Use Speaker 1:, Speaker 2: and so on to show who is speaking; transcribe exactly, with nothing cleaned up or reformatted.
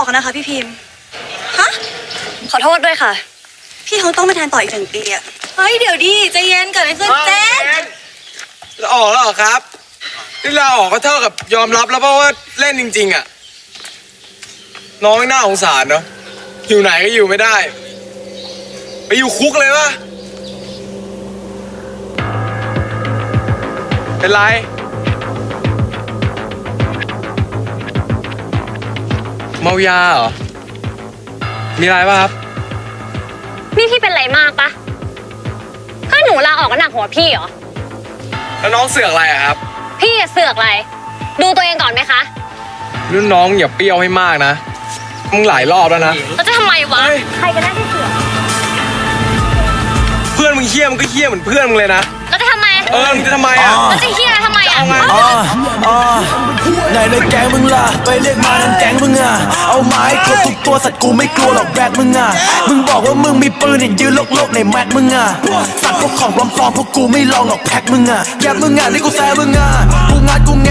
Speaker 1: อกนะคะพี่พิมพ์ฮะ
Speaker 2: ขอโทษด้วยค่ะ
Speaker 1: พี่คงต้องมาแทนต่ออีกหนึ่งปีอะ
Speaker 2: เฮ้ยเดี๋ยวดิใจเย็นเกิดอะไรขึ้นเจน
Speaker 3: เราออกแล้วเหรอครับที่เราออกก็เท่ากับยอมรับแล้วเพราะว่าเล่นจริงๆอ่ะน้องไม่น่าสงสารเนาะอยู่ไหนก็อยู่ไม่ได้ไปอยู่คุกเลยวะเป็นไรเมายาเหรอมีอะไรป่ะครับ
Speaker 2: นี่พี่เป็นไรมากปะถ้าหนูลาออกก็หนักหัวพี่เหรอ
Speaker 3: แล้วน้องเสือกอะไรอะครับ
Speaker 2: พี่เสือกอะไรดูตัวเองก่อนไหมคะ
Speaker 3: รุ่นน้องอย่าเปรี้ยวให้มากนะมึงหลายรอบแล้วนะ
Speaker 2: แล้วจะทำไมวะใครกันแน่ที่เสือก
Speaker 3: เพื่อนมึงเฮี้ยมึงก็เฮี้ยเหมือนเพื่อนมึงเลยนะ
Speaker 2: แล้วจะทำไม
Speaker 3: เออมึงจะทำไมอ่ะ
Speaker 2: แล้วจะเฮี้ยทำไมอ่ะ
Speaker 4: อ๋ออ๋อไหนในแก๊งมึงล่ะไปเรียกมาทั้งแก๊งมึงอ่ะเอาไม้กดทุกตัวสัตว์กูไม่กลัวหรอกแบกมึงอ่ะมึงบอกว่ามึงมีปืนเนี่ยยืนโลกๆในแม็กมึงอ่ะสัตว์พวกของปลอมๆพวกกูไม่ลองหรอกแพ็คมึงอ่ะแยบมึงอ่ะนี่กูแซ่มึงอ่ะกูงัดกู